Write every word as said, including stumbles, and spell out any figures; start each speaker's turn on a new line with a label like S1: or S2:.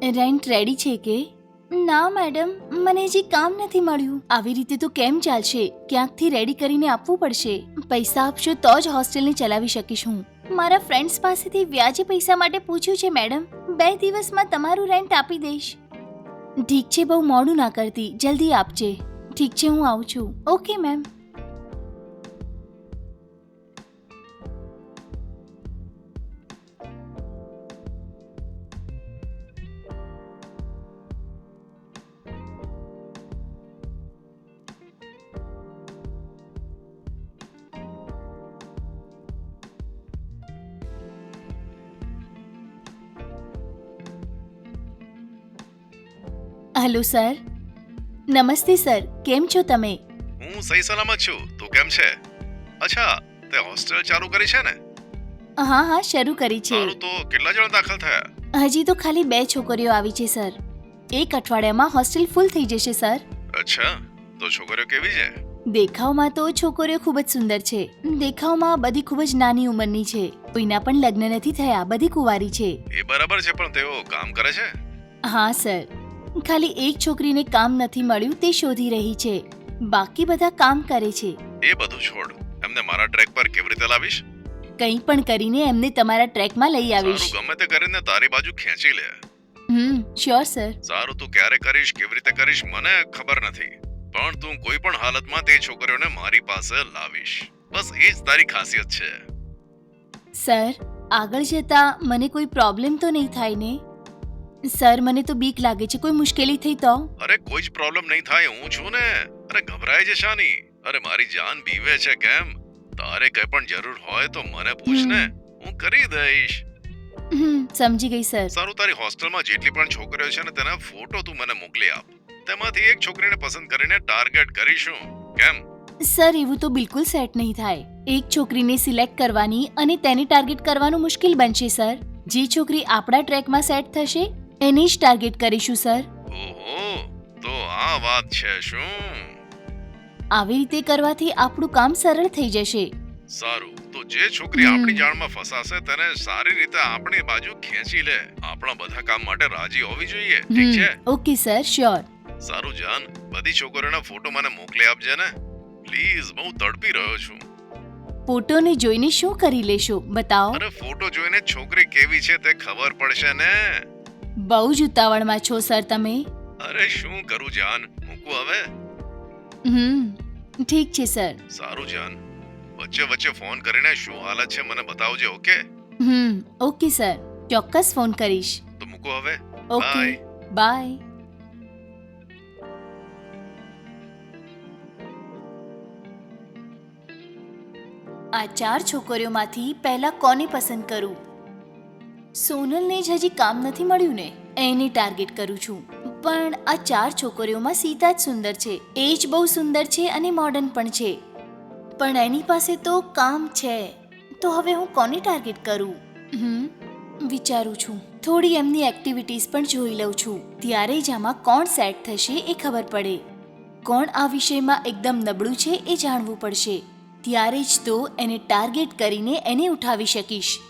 S1: Rent ready છે કે? ના મેડમ, મને હજી કામ નથી મળ્યું. આવી રીતે તો કેમ ચાલશે? ક્યાંકથી રેડી કરીને આપવું પડશે. પૈસા આપશો તો જ હોસ્ટેલને ચલાવી શકીશ હું. મારા ફ્રેન્ડ્સ પાસેથી વ્યાજે પૈસા માટે પૂછ્યું છે મેડમ. બે દિવસમાં તમારું રેન્ટ આપી દઈશ. ઠીક છે, બહુ મોડું ના કરતી, જલ્દી આપજે. ઠીક છે, હું આવું છું. Okay ma'am. Hello sir. Namaste sir, કેમ છો તમે?
S2: હું સહી સલામત છું. તું કેમ છે? અચ્છા, તે હોસ્ટેલ ચાલુ કરી છે ને?
S1: હા હા, શરૂ કરી છે.
S2: સારું, તો કેટલા જણા દાખલ થયા?
S1: હજી તો ખાલી બે છોકરીઓ આવી છે સર. એક અઠવાડિયામાં હોસ્ટેલ ફૂલ થઈ જશે સર.
S2: અચ્છા, તો છોકરીઓ કેવી છે?
S1: દેખાવમાં તો છોકરીઓ ખૂબ જ સુંદર છે. દેખાવમાં બધી ખૂબ જ નાની ઉંમરની છે. કોઈના પણ લગ્ન નથી થયા, બધી કુંવારી છે.
S2: એ બરાબર છે, પણ તેઓ કામ કરે છે?
S1: હા સર, ખાલી એક છોકરીને કામ નથી મળ્યું તે શોધી રહી છે. બાકી બધા કામ કરે છે.
S2: એ બધું છોડ, એમને મારા ટ્રેક પર કેવી રીતે લાવીશ?
S1: કંઈ પણ કરીને એમને તમારા ટ્રેકમાં લઈ આવીશ.
S2: સારું, ગમે તે કરીને તારી બાજુ ખેંચી લે.
S1: Hmm sure sir.
S2: સારું, તું ક્યારે કરીશ, કેવી રીતે કરીશ મને ખબર નથી, પણ તું કોઈ પણ હાલતમાં તે છોકરીઓને મારી પાસે લાવીશ. બસ એ જ તારી ખાસિયત છે.
S1: સર, આગળ જતા મને કોઈ પ્રોબ્લેમ તો નહીં થાય ને? સર, મને તો બીક લાગે છે, કોઈ મુશ્કેલી થઈ તો?
S2: અરે કોઈ જ પ્રોબ્લેમ નહીં થાય, હું છું ને. અરે ગભરાય છે શાની? અરે મારી જાન બીવે છે કેમ? તારે કઈ પણ જરૂર હોય તો મને પૂછ ને, હું કરી દઈશ.
S1: હમ સમજી ગઈ સર.
S2: સારું, તારી હોસ્ટેલમાં જેટલી પણ છોકરીઓ છે ને તેના ફોટો તું મને મોકલી આપ. તેમાંથી એક છોકરીને પસંદ કરીને ટાર્ગેટ કરીશું. કેમ?
S1: સર, એવું તો બિલકુલ સેટ નહીં થાય. એક છોકરીને સિલેક્ટ કરવાની અને તેને ટાર્ગેટ કરવાનું મુશ્કેલ બનશે સર. જે છોકરી આપણા ટ્રેકમાં સેટ થશે એને જ ટાર્ગેટ કરીશું સર.
S2: ઓહો, તો આ વાત છે શું?
S1: આવી રીતે કરવાથી આપણું કામ સરળ થઈ જશે.
S2: સારું, તો જે છોકરી આપણી જાળમાં ફસાશે તેને સારી રીતે આપણી બાજુ ખેંચી લે. આપણા બધા કામ માટે રાજી હોવી જોઈએ. ઠીક છે?
S1: Okay sir, sure.
S2: સારું જાન, બધી છોકરીઓના ફોટો મને મોકલી આપજે ને પ્લીઝ. બહુ તડપી રહ્યો છું.
S1: ફોટોને જોઈને શું કરી લેશો બતાવો?
S2: અરે ફોટો જોઈને છોકરી કેવી છે તે ખબર પડશે ને.
S1: બહુ જ ઉતાવળમાં છો સર તમે.
S2: અરે શું કરું જાન, મૂકું હવે?
S1: હમ ઠીક છે સર.
S2: સારું જાન, વચ્ચે વચ્ચે ફોન કરીને શું હાલત છે મને બતાવજે. ઓકે?
S1: હમ ઓકે સર, ચોક્કસ ફોન કરીશ.
S2: તો મૂકો હવે.
S1: Okay, bye. આ ચાર છોકરીઓમાંથી પહેલા કોને પસંદ કરું? સોનલને જ હજી કામ નથી મળ્યું ને, એને ટાર્ગેટ કરું છું. પણ આ ચાર છોકરીઓમાં સીતા જ સુંદર છે. એ જ બહુ સુંદર છે અને મોડર્ન પણ છે. પણ એની પાસે તો કામ છે. તો હવે હું કોને ટાર્ગેટ કરું? હમ વિચારું છું. થોડી એમની એક્ટિવિટીઝ પણ જોઈ લઉં છું. ત્યારે જ આમાં કોણ સેટ થશે એ ખબર પડે. કોણ આ વિષયમાં એકદમ નબળું છે એ જાણવું પડશે. ત્યારે જ તો એને ટાર્ગેટ કરીને એને ઉઠાવી શકીશ.